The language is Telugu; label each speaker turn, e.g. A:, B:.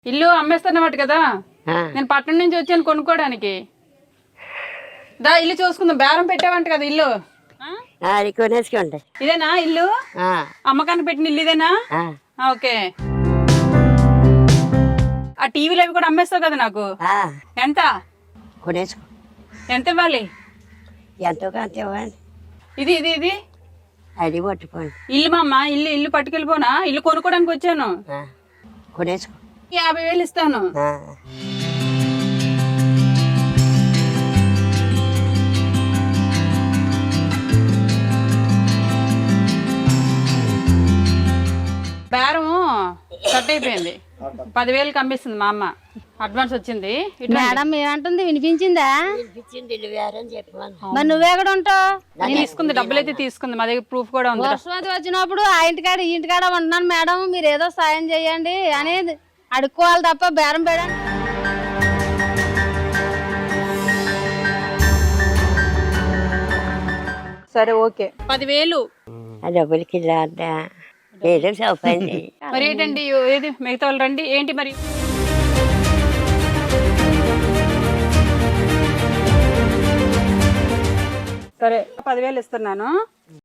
A: ఇల్లు అమ్మేస్తున్నమాట కదా, నేను పట్టణం నుంచి వచ్చాను కొనుక్కోవడానికి. దా ఇల్లు చూసుకుందాం. బేరం పెట్టావంట కదా ఇల్లు.
B: కొనేసుకోండి.
A: ఇదేనా ఇల్లు? అమ్మకాన్ని పెట్టిన ఇల్లు ఇదేనా? ఓకే. ఆ టీవీలు అవి కూడా అమ్మేస్తావు కదా నాకు. ఎంత
B: కొనేసుకో.
A: ఎంత ఇవ్వాలి?
B: ఎంతో కొంత ఇవ్వండి.
A: ఇది ఇది ఇది
B: అది పట్టుకోండి.
A: ఇల్లు మా అమ్మ, ఇల్లు ఇల్లు పట్టుకెళ్ళిపోనా? ఇల్లు కొనుక్కోడానికి వచ్చాను.
B: కొనేసుకో.
A: 50,000 ఇస్తాను. బేరము కట్ అయిపోయింది. 10,000కి అమ్మిస్తుంది మా అమ్మ. అడ్వాన్స్ వచ్చింది.
C: మేడం ఏమంటుంది వినిపించిందా? మరి నువ్వెక్కడ ఉంటావు?
A: తీసుకుంది, డబ్బులు అయితే తీసుకుంది. మా దగ్గర ప్రూఫ్ కూడా ఉంది.
C: వర్షవతి వచ్చినప్పుడు ఆ ఇంటికాడ ఈ ఇంటికాడ ఉంటున్నాను మేడం, మీరు ఏదో సాయం చేయండి అనేది అడుక్కోవాలి తప్ప బేరం పేడండి.
A: సరే ఓకే. 10,000
B: ఆ డబ్బులకి ఏదో సౌకర్యం చేయి.
A: మరి ఏంటండి? ఏది మిగతా వాళ్ళు రండి. ఏంటి మరి? సరే 10,000 ఇస్తున్నాను.